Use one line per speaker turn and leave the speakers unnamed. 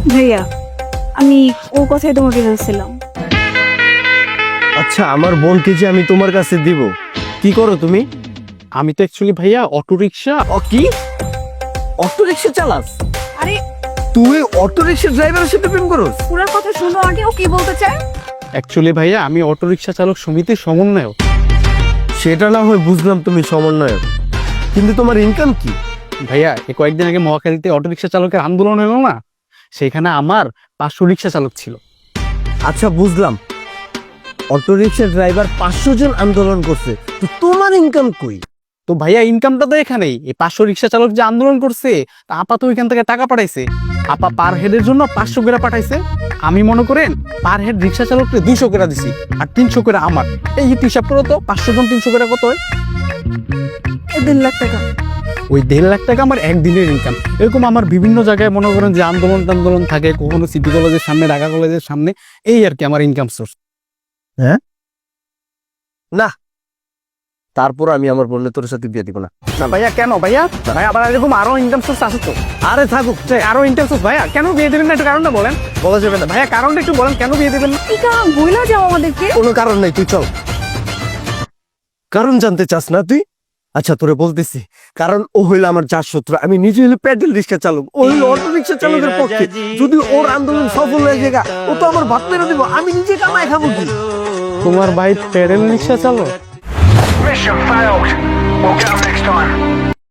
ভাইয়া আমি ও কথাই তোমাকে বলছিলাম।
আচ্ছা, আমার বোনকে যে আমি তোমার কাছে দিব, কি করো তুমি?
আমি তো অ্যাকচুয়ালি ভাইয়া অটো রিক্সা।
কি অটো রিক্সা চালাস?
আরে
তুই অটো রিক্সা ড্রাইভারের সাথে প্রেম করস?
পুরো কথা শুনো আগে, ও কি বলতে চায়।
অ্যাকচুয়ালি ভাইয়া আমি অটো রিক্সা চালক সমিতির সমন্বয়ক।
সেটা না হয় বুঝলাম তুমি সমন্বয়ক, কিন্তু তোমার ইনকাম কি?
ভাইয়া এই কয়েকদিন আগে মহাখালীতে অটো রিক্সা চালকের আন্দোলন হলো না, সেখানে আমার 500 রিক্সা চালক ছিল।
আচ্ছা বুঝলাম, অটো রিক্সা ড্রাইভার 500 জন আন্দোলন করছে, তো তোমার ইনকাম কই?
তো ভাইয়া ইনকামটা তো এখানেই, এই 500 রিক্সা চালক যে আন্দোলন করছে তা আপা তো ওইখান থেকে টাকা পাঠাইছে। আপা পার হেডের জন্য 500 করে পাঠাইছে। আমি মনে করেন পার হেড রিক্সা চালককে 200 করে দিছি, আর 300 করে আমার। এই হিসাব করো তো 500 জন 300 করে কত হয়?
1.5 লাখ টাকা।
ওই 1.5 লাখ টাকা আমার একদিনের ইনকাম। এরকম আমার বিভিন্ন জায়গায় মনে করেন যে আন্দোলন টান্দোলন থাকে, কখনো সিটি কলেজের সামনে, ঢাকা কলেজের সামনে, এই আর কি আমার ইনকাম সোর্স।
তারপর আমি আমার বোনের তোর সাথে বিয়ে দিব না।
ভাইয়া কেন ভাইয়া? ভাইয়া আবার এরকম আরো ইনকাম সোর্স আছে তো।
আরে থাকুক,
আরো ইনকাম সোর্স ভাইয়া, কেন বিয়ে দেবেন না একটু কারণটা বলেন।
বলা যাবে না।
ভাইয়া কারণটা একটু বলেন কেন বিয়ে দেবেন না।
এই কারণ বইলা যাও আমাদেরকে।
কোনো কারণ নাই, তুই চল। কারণ জানতে চাস না তুই? আচ্ছা তোরে বলতেছি, কারণ ও হইল আমার যার শত্রু। আমি নিজে হইলে প্যাডেল রিক্সা চালক, ও হইল অটো রিক্সা চালকের পক্ষে। যদি ওর আন্দোলন সফল হয়ে যায়, ও তো আমার ভাত মেরে দিব, আমি নিজে কামাই খাবো কি?
তোমার ভাই প্যাডেল রিক্সা চালক?
Mission failed. We'll get 'em next time.